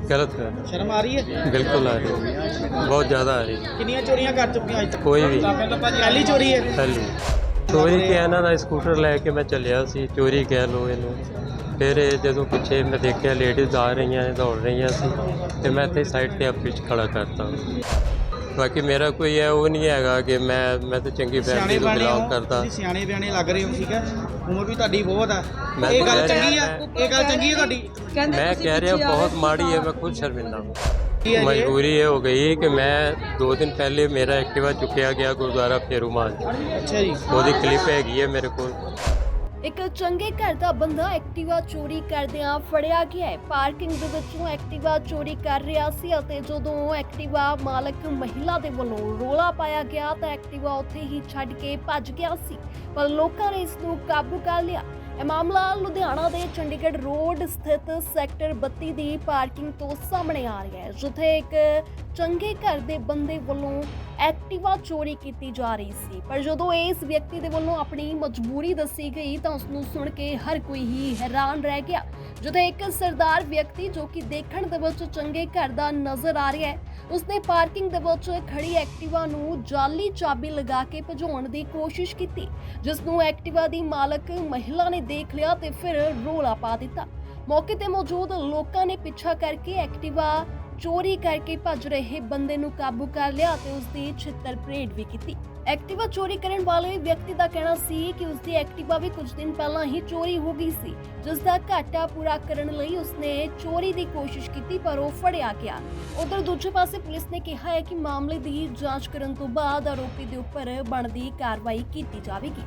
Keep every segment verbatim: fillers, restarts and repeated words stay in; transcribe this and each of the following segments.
गलत है। शर्म आ रही है? बिल्कुल आ रही है, बहुत ज़्यादा आ रही है। कितनी चोरियां कर चुके हैं अज तक? कोई भी पहली चोरी है। पहली चोरी कि ਇਹਨਾਂ ਦਾ ਸਕੂਟਰ ਲੈ ਕੇ ਮੈਂ ਚੱਲਿਆ ਸੀ, ਚੋਰੀ ਕਹਿ ਲਓ ਇਹਨੂੰ। ਫਿਰ ਇਹ ਜਦੋਂ ਪਿੱਛੇ ਮੈਂ ਦੇਖਿਆ ਲੇਡੀਜ਼ ਆ ਰਹੀਆਂ ਨੇ, ਦੌੜ ਰਹੀਆਂ ਸੀ, ਤੇ ਮੈਂ ਇੱਥੇ ਸਾਈਡ ਤੇ ਆਪੇ 'ਚ ਖੜਾ ਕਰਤਾ। ਬਾਕੀ ਮੇਰਾ ਕੋਈ ਹੈ ਉਹ ਨਹੀਂ ਹੈਗਾ ਕਿ ਮੈਂ ਮੈਂ ਤਾਂ ਚੰਗੀ ਫੈਮਿਲੀ ਤੋਂ ਬਿਲੋਂਗ ਕਰਦਾ। ਤੁਸੀਂ ਸਿਆਣੇ ਬਿਆਣੇ ਲੱਗ ਰਹੇ ਹੋ, ਠੀਕ ਹੈ, ਉਮਰ ਵੀ ਤੁਹਾਡੀ ਬਹੁਤ ਆ। ਮੈਂ ਇਹ ਤਾਂ ਗੱਲ ਕਹਿ ਚੰਗੀ ਰਿਹਾ ਆ, ਇਹ ਗੱਲ ਚੰਗੀ ਹੈ ਤੁਹਾਡੀ? मैं कह रहा हूँ बहुत माड़ी है, मैं खुद शर्मिंदा हूँ। ਕੀ ਹੈ ਜੀ? मजबूरी ये हो गई कि मैं दो दिन पहले मेरा एक्टिवा चुकया गया गुरुद्वारा फेरूमान। ਅੱਛਾ ਜੀ। ਉਹਦੀ ਕਲਿੱਪ ਹੈਗੀ ਹੈ ਮੇਰੇ ਕੋਲ। ਇੱਕ ਚੰਗੇ ਘਰ ਦਾ ਬੰਦਾ ਐਕਟਿਵਾ ਚੋਰੀ ਕਰਦਿਆਂ ਫੜਿਆ ਗਿਆ ਹੈ। ਪਾਰਕਿੰਗ ਦੇ ਵਿੱਚੋਂ ਐਕਟਿਵਾ ਚੋਰੀ ਕਰ ਰਿਹਾ ਸੀ ਅਤੇ ਜਦੋਂ ਐਕਟਿਵਾ ਮਾਲਕ ਮਹਿਲਾ ਦੇ ਵੱਲੋਂ ਰੋਲਾ ਪਾਇਆ ਗਿਆ ਤਾਂ ਐਕਟਿਵਾ ਉੱਥੇ ਹੀ ਛੱਡ ਕੇ ਭੱਜ ਗਿਆ ਸੀ, ਪਰ ਲੋਕਾਂ ਨੇ ਇਸ ਨੂੰ ਕਾਬੂ ਕਰ ਲਿਆ। ਇਹ ਮਾਮਲਾ ਲੁਧਿਆਣਾ ਦੇ ਚੰਡੀਗੜ੍ਹ ਰੋਡ ਸਥਿਤ ਸੈਕਟਰ ਬੱਤੀ ਦੀ ਪਾਰਕਿੰਗ ਤੋਂ ਸਾਹਮਣੇ ਆ ਰਿਹਾ ਹੈ, ਜਿੱਥੇ ਇੱਕ ਚੰਗੇ ਘਰ ਦੇ ਬੰਦੇ ਵੱਲੋਂ ਐਕਟਿਵਾ ਚੋਰੀ ਕੀਤੀ ਜਾ ਰਹੀ ਸੀ। ਪਰ ਜਦੋਂ ਇਸ ਵਿਅਕਤੀ ਦੇ ਵੱਲੋਂ ਆਪਣੀ ਮਜਬੂਰੀ ਦੱਸੀ ਗਈ ਤਾਂ ਉਸ ਨੂੰ ਸੁਣ ਕੇ ਹਰ ਕੋਈ ਹੀ ਹੈਰਾਨ ਰਹਿ ਗਿਆ, ਜਿੱਥੇ ਇੱਕ ਸਰਦਾਰ ਵਿਅਕਤੀ ਜੋ ਕਿ ਦੇਖਣ ਦੇ ਵਿੱਚ ਚੰਗੇ ਘਰ ਦਾ ਨਜ਼ਰ ਆ ਰਿਹਾ ਹੈ, ਉਸਨੇ ਪਾਰਕਿੰਗ ਦੇ ਵਿੱਚ ਖੜੀ ਐਕਟਿਵਾ ਨੂੰ ਜਾਲੀ ਚਾਬੀ ਲਗਾ ਕੇ ਭਜਾਉਣ ਦੀ ਕੋਸ਼ਿਸ਼ ਕੀਤੀ, ਜਿਸ ਨੂੰ ਐਕਟਿਵਾ ਦੀ ਮਾਲਕ ਮਹਿਲਾ ਨੇ ਦੇਖ ਲਿਆ ਤੇ ਫਿਰ ਰੋਲਾ ਪਾ ਦਿੱਤਾ। ਮੌਕੇ ਤੇ ਮੌਜੂਦ ਲੋਕਾਂ ਨੇ ਪਿੱਛਾ ਕਰਕੇ ਐਕਟਿਵਾ ਚੋਰੀ ਕਰਕੇ ਭੱਜ ਰਹੇ ਬੰਦੇ ਨੂੰ ਕਾਬੂ ਕਰ ਲਿਆ ਤੇ ਉਸ ਦੀ ਛਿੱਤਰ ਪਰੇਡ ਵੀ ਕੀਤੀ। ਐਕਟਿਵਾ ਚੋਰੀ ਕਰਨ ਵਾਲੇ ਵਿਅਕਤੀ ਦਾ ਕਹਿਣਾ ਸੀ ਕਿ ਉਸ ਦੀ ਐਕਟਿਵਾ ਵੀ ਕੁਝ ਦਿਨ ਪਹਿਲਾਂ ਹੀ ਚੋਰੀ ਹੋ ਗਈ ਸੀ, ਜਿਸ ਦਾ ਘਾਟਾ ਪੂਰਾ ਕਰਨ ਲਈ ਉਸਨੇ ਚੋਰੀ ਦੀ ਕੋਸ਼ਿਸ਼ ਕੀਤੀ, ਪਰ ਉਹ ਫੜਿਆ ਗਿਆ। ਉਧਰ ਦੂਜੇ ਪਾਸੇ ਪੁਲਿਸ ਨੇ ਕਿਹਾ ਹੈ ਕਿ ਮਾਮਲੇ ਦੀ ਜਾਂਚ ਕਰਨ ਤੋਂ ਬਾਅਦ ਆਰੋਪੀ ਦੇ ਉੱਪਰ ਬਣਦੀ ਕਾਰਵਾਈ ਕੀਤੀ ਜਾਵੇਗੀ।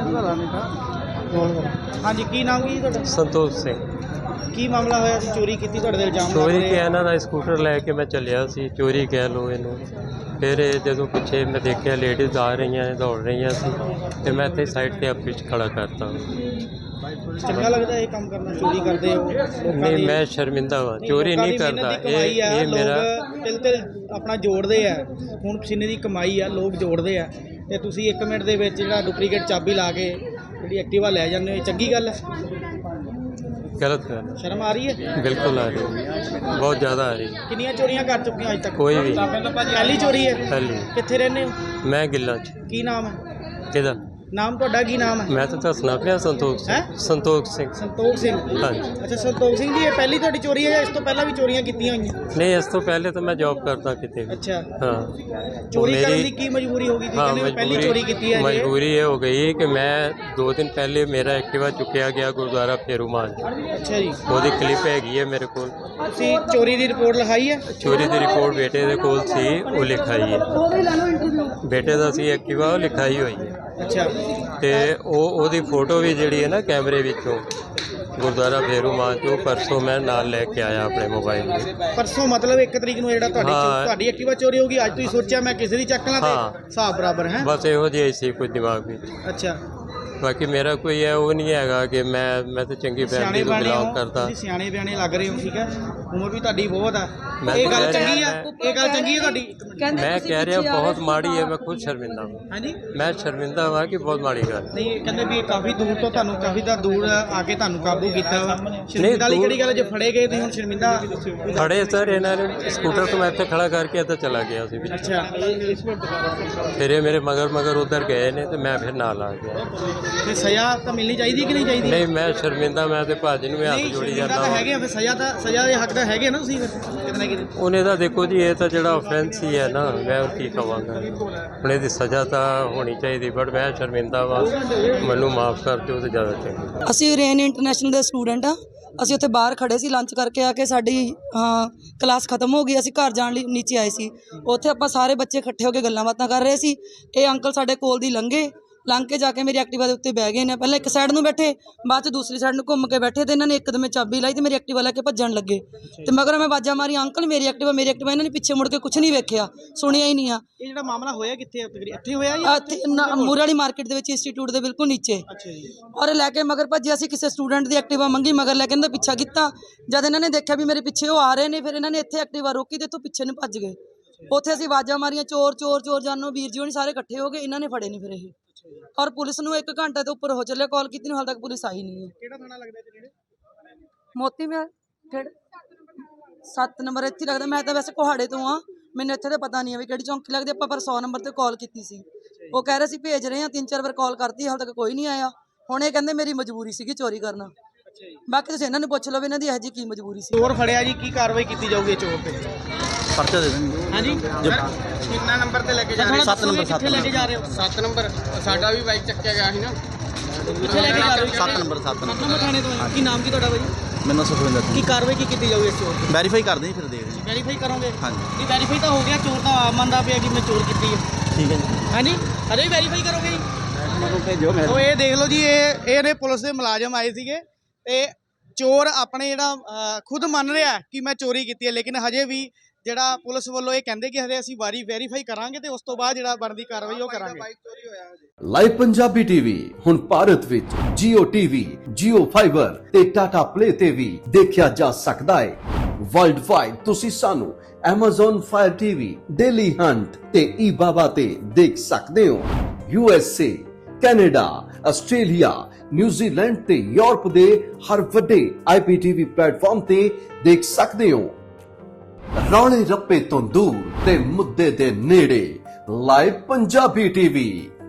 ਹਾਂਜੀ, ਕੀ ਨਾਮ ਕੀ ਤੁਹਾਡਾ? ਸੰਤੋਖ ਸਿੰਘ। ਕੀ ਮਾਮਲਾ ਹੋਇਆ ਸੀ? ਚੋਰੀ ਕੀਤੀ ਤੁਹਾਡੇ ਦੇ ਇਲਜ਼ਾਮ ਲੱਗ ਚੋਰੀ ਰਹੇ ਕਿ ਆ। ਇਹਨਾਂ ਦਾ ਸਕੂਟਰ ਲੈ ਕੇ ਮੈਂ ਚੱਲਿਆ ਸੀ, ਚੋਰੀ ਕਹਿ ਲਓ ਇਹਨੂੰ। ਫਿਰ ਇਹ ਜਦੋਂ ਪਿੱਛੇ ਮੈਂ ਦੇਖਿਆ ਲੇਡੀਜ਼ ਆ ਰਹੀਆਂ ਨੇ, ਦੌੜ ਰਹੀਆਂ ਸੀ, ਤੇ ਮੈਂ ਇੱਥੇ ਸਾਈਡ ਤੇ ਆਪੇ 'ਚ ਖੜਾ ਕਰਤਾ। ਚੰਗਾ ਲੱਗਦਾ ਇਹ ਕੰਮ ਕਰਨਾ? ਚੋਰੀ ਕਰਦੇ ਹੋ ਲੋਕਾਂ ਨਹੀਂ, ਦੀ- ਮੈਂ ਸ਼ਰਮਿੰਦਾ ਵਾ, ਚੋਰੀ ਲੋਕਾਂ ਨਹੀਂ ਦੀ ਕਰਦਾ। ਮਿਹਨਤ ਦੀ ਕਮਾਈ ਇਹ ਆ, ਇਹ ਮੇਰਾ ਲੋਕ ਤਿਲ ਤਿਲ ਆਪਣਾ ਜੋੜਦੇ ਆ, ਹੁਣ ਪਸੀਨੇ ਦੀ ਕਮਾਈ ਆ, ਲੋਕ ਜੋੜਦੇ ਆ, ਤੇ ਤੁਸੀਂ ਇੱਕ ਮਿੰਟ ਦੇ ਵਿੱਚ ਜਿਹੜਾ ਡੁਪਲੀਕੇਟ ਚਾਬੀ ਲਾ ਕੇ ਜਿਹੜੀ ਐਕਟਿਵਾ ਲੈ ਜਾਂਦੇ ਹੋ, ਇਹ ਚੰਗੀ ਗੱਲ ਹੈ? गलत है। ਸ਼ਰਮ ਆ ਰਹੀ ਹੈ? बिल्कुल आ रही है, बहुत ज़्यादा आ रही है। ਕਿੰਨੀਆਂ ਚੋਰੀਆਂ ਕਰ ਚੁੱਕੇ ਹੋ ਅਜ ਤੱਕ? कोई भी ਪਹਿਲੀ ਚੋਰੀ ਹੈ? पहली ਕਿੱਥੇ ਰਹਿੰਦੇ ਹੋ? मैं गिल्ला च ਕੀ ਨਾਮ ਹੈ? किधर ਨਾਮ ਤੁਹਾਡਾ ਕੀ ਨਾਮ ਹੈ? मैं तो दसना पिया संतोख सिंह। हैं? संतोख सिंह। ਸੰਤੋਖ ਸਿੰਘ। हाँ जी। ਅੱਛਾ, ਸੰਤੋਖ ਸਿੰਘ ਜੀ, ਇਹ ਪਹਿਲੀ ਤੁਹਾਡੀ ਚੋਰੀ ਹੈ ਜਾਂ ਇਸ ਤੋਂ ਪਹਿਲਾਂ ਵੀ ਚੋਰੀਆਂ ਕੀਤੀਆਂ ਹੋਈਆਂ? नहीं, इस तो पहले तो मैं जॉब करता कितने भी। ਅੱਛਾ, हाँ, ਚੋਰੀ मेरी- ਕਰਨ ਦੀ ਕੀ ਮਜਬੂਰੀ ਹੋ ਗਈ? ਤੁਸੀਂ हाँ ਕਹਿੰਦੇ ਹੋ ਪਹਿਲੀ ਚੋਰੀ ਕੀਤੀ ਹੈ ਜੀ। मजबूरी ये हो गई कि मैं दो दिन पहले मेरा एक्टिवा चुकया गया गुरुद्वारा फेरूमान। ਅੱਛਾ ਜੀ। ਉਹਦੀ ਕਲਿੱਪ ਹੈਗੀ ਹੈ ਮੇਰੇ ਕੋਲ। ਤੁਸੀਂ ਚੋਰੀ ਦੀ ਰਿਪੋਰਟ ਲਿਖਾਈ ਹੈ? ਚੋਰੀ ਦੀ ਰਿਪੋਰਟ ਬੇਟੇ ਦੇ ਕੋਲ ਸੀ, ਉਹ ਲਿਖਾਈ ਹੈ। ਬੇਟੇ ਦਾ ਸੀ ਐਕਟਿਵਾ, ਉਹ ਲਿਖਾਈ ਹੋਈ ਹੈ। ਅੱਛਾ, ਤੇ ਉਹ ਉਹਦੀ ਫੋਟੋ ਵੀ ਜਿਹੜੀ ਹੈ ਨਾ ਕੈਮਰੇ ਵਿੱਚੋਂ ਗੁਰਦੁਆਰਾ ਫੇਰੂਮਾਨ ਤੋਂ ਪਰਸੋਂ ਮੈਂ ਨਾਲ ਲੈ ਕੇ ਆਇਆ ਆਪਣੇ ਮੋਬਾਈਲ ਵਿੱਚ। ਪਰਸੋਂ ਮਤਲਬ ਇੱਕ ਤਰੀਕ ਨੂੰ ਜਿਹੜਾ ਤੁਹਾਡੀ ਹਾਂ। ਤੁਹਾਡੀ ਐਕਟਿਵਾ ਚੋਰੀ ਹੋ ਗਈ, ਅੱਜ ਤੁਸੀਂ ਸੋਚਿਆ ਮੈਂ ਕਿਸੇ ਦੀ ਚੱਕ ਲਾਂ ਹਾਂ। ਤੇ ਹਿਸਾਬ ਬਰਾਬਰ ਹੈ? ਬਸ ਇਹੋ ਜਿਹਾ ਹੀ ਸੀ ਕੁਝ ਦਿਮਾਗ ਵਿੱਚ। ਅੱਛਾ, ਬਾਕੀ ਮੇਰਾ ਕੋਈ ਹੈ ਉਹ ਨਹੀਂ ਹੈਗਾ ਕਿ ਮੈਂ ਮੈਂ ਤਾਂ ਚੰਗੀ ਸਿਆਣੇ ਫੈਮਿਲੀ ਤੋਂ ਬਿਆਣੇ ਬਿਲੋਂਗ ਹੋ, ਕਰਦਾ। ਤੁਸੀਂ ਸਿਆਣੇ ਬਿਆਣੇ ਲੱਗ ਰਹੇ ਹੋ, ਠੀਕ ਹੈ, ਉਮਰ ਵੀ ਤੁਹਾਡੀ ਬਹੁਤ ਆ। ਮੈਂ ਇਹ ਤਾਂ ਗੱਲ ਕਹਿ ਚੰਗੀ ਆ? ਰਿਹਾ ਇਹ ਗੱਲ ਚੰਗੀ ਹੈ ਤੁਹਾਡੀ? ਮੈਂ ਕਹਿ ਰਿਹਾ ਬਹੁਤ ਮਾੜੀ ਹੈ, ਮੈਂ ਖੁਦ ਸ਼ਰਮਿੰਦਾ ਹਾਂ। ਹਾਂਜੀ। ਮੈਂ ਸ਼ਰਮਿੰਦਾ ਹਾਂ ਕਿ ਬਹੁਤ ਮਾੜੀ ਗੱਲ। ਨਹੀਂ, ਕਹਿੰਦੇ ਵੀ ਇਹ ਕਾਫੀ ਦੂਰ ਤੋਂ ਤੁਹਾਨੂੰ ਕਾਫੀ ਦਾ ਦੂਰ ਆ ਕੇ ਤੁਹਾਨੂੰ ਕਾਬੂ ਕੀਤਾ ਵਾ। ਸ਼ਰਮਿੰਦਾ ਵਾਲੀ ਦੂਰ- ਕਿਹੜੀ ਗੱਲ ਹੈ? ਜੇ ਫੜੇ ਗਏ ਤੁਸੀਂ ਹੁਣ ਸ਼ਰਮਿੰਦਾ? ਖੜੇ ਸਰ ਇਹਨਾਂ ਨੇ ਸਕੂਟਰ ਤੋਂ ਮੈਂ ਇੱਥੇ ਖੜਾ ਕਰਕੇ ਇੱਥੇ ਚਲਾ ਗਿਆ ਸੀ ਵਿੱਚ। ਅੱਛਾ, ਫਿਰ ਇਹ ਮੇਰੇ ਮਗਰ ਮਗਰ ਉਧਰ ਗਏ ਨੇ ਤੇ ਮੈਂ ਫਿਰ ਨਾਲ ਆ ਗਿਆ। ਤੇ ਸਜ਼ਾ ਤਾਂ ਮਿਲਣੀ ਚਾਹੀਦੀ ਕਿ ਨਹੀਂ ਚਾਹੀਦੀ? ਨਹੀਂ, ਮੈਂ ਸ਼ਰਮਿੰਦਾ, ਮੈਂ ਤੇ ਭਾਜੀ ਨੂੰ ਵੀ ਹੱਥ ਨਹੀਂ, ਜੋੜੀ ਸ਼ਰਮਿੰਦਾ ਜਾਂਦਾ ਤਾਂ ਵਾਂ। ਹੈਗੇ ਆ, ਫਿਰ ਸਜ਼ਾ ਤਾਂ ਸਜ਼ਾ ਦੇ ਹੱਕ ਦਾ ਹੈਗੇ ਨਾ ਤੁਸੀਂ, ਫਿਰ ਕਿਤੇ ਨਾ ਕਿਤੇ। ਉਹਨੇ ਤਾਂ ਦੇਖੋ ਜੀ, ਇਹ ਤਾਂ ਜਿਹੜਾ ਆਫੈਂਸ ਹੀ ਹੈ ਨਾ, ਮੈਂ ਉਹ ਕੀ ਕਵਾਂਗਾ। ਹੁਣ ਇਹਦੀ ਸਜ਼ਾ ਤਾਂ ਹੋਣੀ ਚਾਹੀਦੀ, ਬਟ ਮੈਂ ਸ਼ਰਮਿੰਦਾ ਵਾ, ਮੈਨੂੰ ਮਾਫ ਕਰ ਦਿਓ ਤੇ ਜ਼ਿਆਦਾ ਚੰਗਾ। ਅਸੀਂ ਰੇਨ ਇੰਟਰਨੈਸ਼ਨਲ ਦੇ ਸਟੂਡੈਂਟ ਆ। ਅਸੀਂ ਉੱਥੇ ਬਾਹਰ ਖੜੇ ਸੀ, ਲੰਚ ਕਰਕੇ ਆ ਕੇ ਸਾਡੀ ਹਾਂ ਕਲਾਸ ਖਤਮ ਹੋ ਗਈ। ਅਸੀਂ ਘਰ ਜਾਣ ਲਈ ਨੀਚੇ ਆਏ ਸੀ। ਉੱਥੇ ਆਪਾਂ ਸਾਰੇ ਬੱਚੇ ਇਕੱਠੇ ਹੋ ਕੇ ਗੱਲਾਂ ਬਾਤਾਂ ਕਰ ਰਹੇ ਸੀ। ਇਹ ਅੰਕਲ ਸਾਡੇ ਕੋਲ ਦੀ ਲੰਘੇ, ਲੰਘ ਕੇ ਜਾ ਕੇ ਮੇਰੀ ਐਕਟਿਵਾ ਦੇ ਉੱਤੇ ਬਹਿ ਗਏ ਨੇ। ਪਹਿਲਾਂ ਇੱਕ ਸਾਈਡ ਨੂੰ ਬੈਠੇ, ਬਾਅਦ 'ਚ ਦੂਸਰੀ ਸਾਈਡ ਨੂੰ ਘੁੰਮ ਕੇ ਬੈਠੇ ਤੇ ਇਹਨਾਂ ਨੇ ਇੱਕਦਮ ਚਾਬੀ ਲਾਈ ਤੇ ਮੇਰੀ ਐਕਟਿਵਾ ਲੈ ਕੇ ਭੱਜਣ ਲੱਗੇ। ਤੇ ਮਗਰ ਮੈਂ ਆਵਾਜ਼ਾਂ ਮਾਰੀ, ਅੰਕਲ ਮੇਰੀ ਐਕਟਿਵਾ ਮੇਰੀ ਐਕਟਿਵਾ। ਇਹਨਾਂ ਨੇ ਪਿੱਛੇ ਮੁੜ ਕੇ ਕੁਝ ਨਹੀਂ ਵੇਖਿਆ, ਸੁਣਿਆ ਹੀ ਨਹੀਂ ਆ। ਇਹ ਜਿਹੜਾ ਮਾਮਲਾ ਹੋਇਆ ਕਿੱਥੇ? ਇੱਥੇ ਹੋਇਆ ਜਾਂ ਇੱਥੇ ਮੂਰੇ ਵਾਲੀ ਮਾਰਕੀਟ ਦੇ ਵਿੱਚ ਇੰਸਟੀਚਿਊਟ ਦੇ ਬਿਲਕੁਲ ਨੀਚੇ। ਅੱਛਾ ਜੀ। ਔਰ ਲੈ ਕੇ ਮਗਰ ਭੱਜਿਆ ਸੀ। ਕਿਸੇ ਸਟੂਡੈਂਟ ਦੀ ਐਕਟਿਵਾ ਮੰਗੀ, ਮਗਰ ਲੈ ਕੇ ਇਹਨਾਂ ਦਾ ਪਿੱਛਾ ਕੀਤਾ। ਜਦ ਇਹਨਾਂ ਨੇ ਦੇਖਿਆ ਵੀ ਮੇਰੇ ਪਿੱਛੇ ਉਹ ਆ ਰਹੇ ਨੇ, ਫਿਰ ਇਹਨਾਂ ਨੇ ਇੱਥੇ ਐਕਟਿਵਾ ਰੋਕੀ ਤੇ ਇੱਥੋਂ ਪਿੱਛੇ ਨੂੰ ਭੱਜ ਗਏ। ਉੱਥੇ ਅਸੀਂ ਆਵਾਜ਼ਾਂ ਮਾਰੀਆਂ, ਚੋਰ ਚੋਰ ਚੋਰ ਜਾਨੋ, ਵੀਰ ਜੀ ਹੋਣੀ ਸਾਰੇ ਇਕੱਠੇ ਹੋ ਗਏ। ਇਹਨਾਂ ਨੇ ਫੜੇ ਨਹੀਂ ਫਿਰ ਇਹ। ਔਰ ਪੁਲਿਸ ਨੂੰ ਇੱਕ ਘੰਟੇ ਤੋਂ ਉੱਪਰ ਹੋ ਚੱਲਿਆ ਕਾਲ ਕੀਤੀ ਨੂੰ, ਹਾਲ ਤੱਕ ਪੁਲਿਸ ਆਈ ਨਹੀਂ ਹੈ। ਕਿਹੜਾ ਥਾਣਾ ਲੱਗਦਾ ਤੇ ਜਿਹੜੇ ਮੋਤੀ ਮਹਿਲ ਖੇੜ ਸੱਤ ਨੰਬਰ ਇੱਥੇ ਹੀ ਲੱਗਦਾ। ਮੈਂ ਤਾਂ ਵੈਸੇ ਕੋਹਾੜੇ ਤੋਂ ਆ, ਮੈਨੂੰ ਇੱਥੇ ਤਾਂ ਪਤਾ ਨਹੀਂ ਹੈ ਵੀ ਕਿਹੜੀ ਚੌਂਕੀ ਲੱਗਦੀ। ਆਪਾਂ ਪਰ ਸੌ ਨੰਬਰ ਤੇ ਕਾਲ ਕੀਤੀ ਸੀ, ਉਹ ਕਹਿ ਰਹੇ ਸੀ ਭੇਜ ਰਹੇ ਆ, ਤਿੰਨ ਚਾਰ ਵਾਰ ਕਾਲ ਕਰਤੀ, ਹਾਲੇ ਤੱਕ ਕੋਈ ਨਹੀਂ ਆਇਆ। ਹੁਣ ਇਹ ਕਹਿੰਦੇ ਮੇਰੀ ਮਜਬੂਰੀ ਸੀਗੀ ਚੋਰੀ ਕਰਨਾ। ਬਾਕੀ ਤੁਸੀਂ ਇਹਨਾਂ ਨੂੰ ਪੁੱਛ ਲਓ ਵੀ ਇਹਨਾਂ ਦੀ ਇਹੋ ਜਿਹੀ ਕੀ ਮਜਬੂਰੀ ਸੀ। ਚੋਰ ਫੜਿਆ ਜੀ, ਕੀ ਕਾਰਵਾਈ ਕੀਤੀ ਜਾਊਗੀ ਚੋਰ ਤੇ? ਪਰਚਾ ਦੇ ਦੇਣਗੇ। ਹਾਂਜੀ ਕਿੰਨਾ ਨੰਬਰ ਤੇ ਲੈ ਕੇ ਜਾ ਰਹੇ ਹੋ? ਸੱਤ ਨੰਬਰ, ਕਿੱਥੇ ਲੈ ਕੇ ਜਾ ਰਹੇ ਹੋ? ਸੱਤ ਨੰਬਰ ਸਾਡਾ ਵੀ ਬਾਈਕ ਚੱਕਿਆ ਗਿਆ ਸੀ ਨਾ। ਕਿੱਥੇ ਲੈ ਕੇ ਜਾ ਰਹੇ ਹੋ? ਸੱਤ ਨੰਬਰ ਸੱਤ ਨੰਬਰ ਨੰਬਰ ਥਾਣੇ ਤੋਂ। ਕੀ ਨਾਮ ਕੀ ਤੁਹਾਡਾ ਬਾਈ? ਮੈਨੂੰ ਸੁਖਵਿੰਦਰ ਕੀ ਕਾਰਵਾਈ ਕੀ ਕੀਤੀ ਜਾਊਗੀ ਇਸ ਚੋਰ ਤੇ? ਵੈਰੀਫਾਈ ਕਰਦੇ ਹਾਂ, ਫਿਰ ਦੇਖਦੇ ਹਾਂ। ਵੈਰੀਫਾਈ ਕਰੋਗੇ? ਹਾਂਜੀ ਜੀ ਵੈਰੀਫਾਈ ਤਾਂ ਹੋ ਗਿਆ, ਚੋਰ ਤਾਂ ਆਪ ਮੰਨਦਾ ਪਿਆ ਕਿ ਮੈਂ ਚੋਰ ਕੀਤੀ ਹੈ। ਠੀਕ ਹੈ ਜੀ, ਹਾਂਜੀ ਅਜੇ ਵੀ ਵੈਰੀਫਾਈ ਕਰੋਗੇ ਜੀ? ਮੈਨੂੰ ਭੇਜੋ। ਉਹ ਇਹ ਦੇਖ ਲਓ ਜੀ, ਇਹ ਇਹ ਨੇ ਪੁਲਿਸ ਦੇ ਮੁਲਾਜ਼ਮ ਆਏ ਸੀਗੇ ਤੇ ਚੋਰ ਆਪਣੇ ਜਿਹੜਾ ਅਹ, ਖੁਦ ਮੰਨ ਰਿਹਾ ਕਿ ਮੈਂ ਚੋਰੀ ਕੀਤੀ ਹੈ, ਲੇਕਿਨ ਹਜੇ ਵੀ ਜਿਹੜਾ ਪੁਲਿਸ ਵੱਲੋਂ ਇਹ ਕਹਿੰਦੇ ਕਿ ਹਜੇ ਅਸੀਂ ਵਾਰੀ ਵੈਰੀਫਾਈ ਕਰਾਂਗੇ ਤੇ ਉਸ ਤੋਂ ਬਾਅਦ ਜਿਹੜਾ ਬਣਦੀ ਕਾਰਵਾਈ ਉਹ ਕਰਾਂਗੇ। ਲਾਈਵ ਪੰਜਾਬੀ ਟੀਵੀ ਹੁਣ ਭਾਰਤ ਵਿੱਚ Jio T V, Jio Fiber ਤੇ Tata Play ਤੇ ਵੀ ਦੇਖਿਆ ਜਾ ਸਕਦਾ ਹੈ। ਵਰਲਡ ਵਾਈਡ ਤੁਸੀਂ ਸਾਨੂੰ Amazon Fire ਟੀ ਵੀ, Daily Hunt ਤੇ eBaba ਤੇ ਦੇਖ ਸਕਦੇ ਹੋ। U S A, Canada, Australia, New Zealand ਤੇ ਯੂਰਪ ਦੇ ਹਰ ਵੱਡੇ ਆਈ ਪੀ ਟੀ ਵੀ ਪਲੇਟਫਾਰਮ ਤੇ ਦੇਖ ਸਕਦੇ ਹੋ। ਰੌਲੇ ਰੱਪੇ ਤੋਂ ਦੂਰ ਤੇ ਮੁੱਦੇ ਦੇ ਨੇੜੇ, ਲਾਈਵ ਪੰਜਾਬੀ ਟੀਵੀ।